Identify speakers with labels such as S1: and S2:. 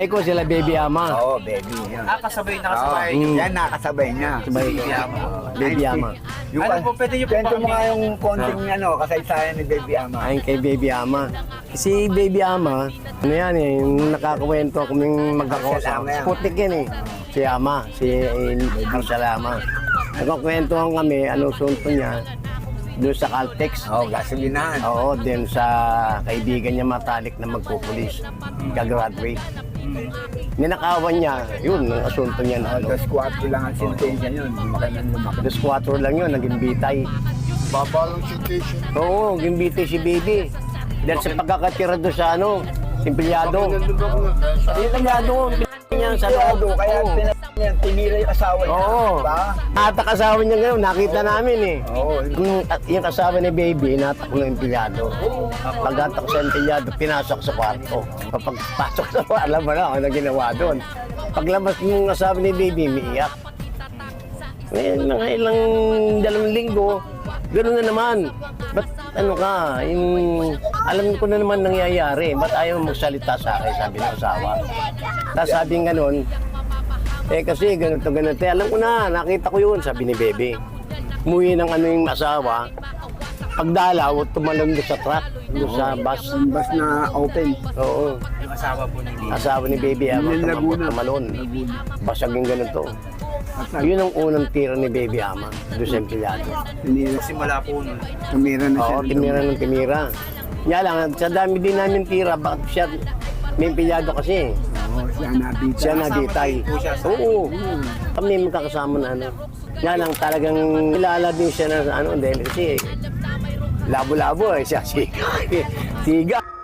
S1: Eko sila baby ama.
S2: Oo, baby. Yan.
S3: Kasabay na kasabay.
S2: Yan, nakasabay niya.
S1: Baby ama. Baby ama.
S2: Yung,
S3: Ano po, pwede niyo po
S2: kwento mo
S3: kami-
S2: nga yung konting kasaysayan ni Baby Ama.
S1: Ayon kay baby ama. Si baby ama, ano yan eh, yung nakakakwento kaming magkakosama. Putik yan eh. Si ama, si Marcel ama. Nagkakwentuhan kami, anong sunto niya, doon sa Caltex.
S2: Oo, gasolinahan.
S1: Oo, din sa kaibigan niya matalik na magpupulis. Gagraduate. Ninakawan niya, yun, ang asunto niya na ano.
S2: 2-4 lang ang sentensya yun. Lumaki ng lumaki.
S1: 2-4 lang yun, naging bitay.
S4: Baba lang citation.
S1: Oo, naging bitay si baby. Dahil sa pagkakatira doon sa ano, empleyado. Yung empleyado, niya sa loob.
S2: Kaya
S1: Oo.
S2: tinira yung asawa niya.
S1: Oo.
S2: Diba?
S1: Natak asawa niya ngayon, nakita namin eh.
S2: Oo.
S1: Yung asawa ni baby, natak ng empleyado. Pagkatak sa empleyado, pinasok sa kwarto. Kapag pasok sa kwarto, alam mo na ano ginawa doon. Paglabas ng asawa ni baby, umiiyak. Ngayon, mga ilang 2 linggo, gano'n na naman. Ba't ano ka, alam ko na naman nangyayari. Ba't ayaw magsalita sa akin, sabi ng asawa. Tapos sabi ng gano'n, kasi ganito. Alam ko na, nakita ko yun, sabi ni Bebe. Umuwi ng ano yung asawa. Pagdalaw, tumalon doon sa truck, doon sa bus.
S2: Bas na open.
S1: Oo,
S3: Yung asawa po ni
S1: asawa ni Baby Ama,
S2: Yung Laguna.
S1: tumalon. Basag yung ganito. Yun ang unang tira ni Baby Ama, doon sa empleyado.
S2: Tinira,
S3: Simula po nun.
S2: tumira na siya.
S1: Oo, timira ng timira. Kaya lang, sa dami din namin tira, bakit siya, may empleyado kasi.
S2: Oo, siya nabita.
S1: Siya nagitay.
S3: po siya sa-
S1: Oo. Kami magkakasama na ano. Nga lang talagang kilala din siya na ano dahil kasi labo-labo eh siya siga. Siga.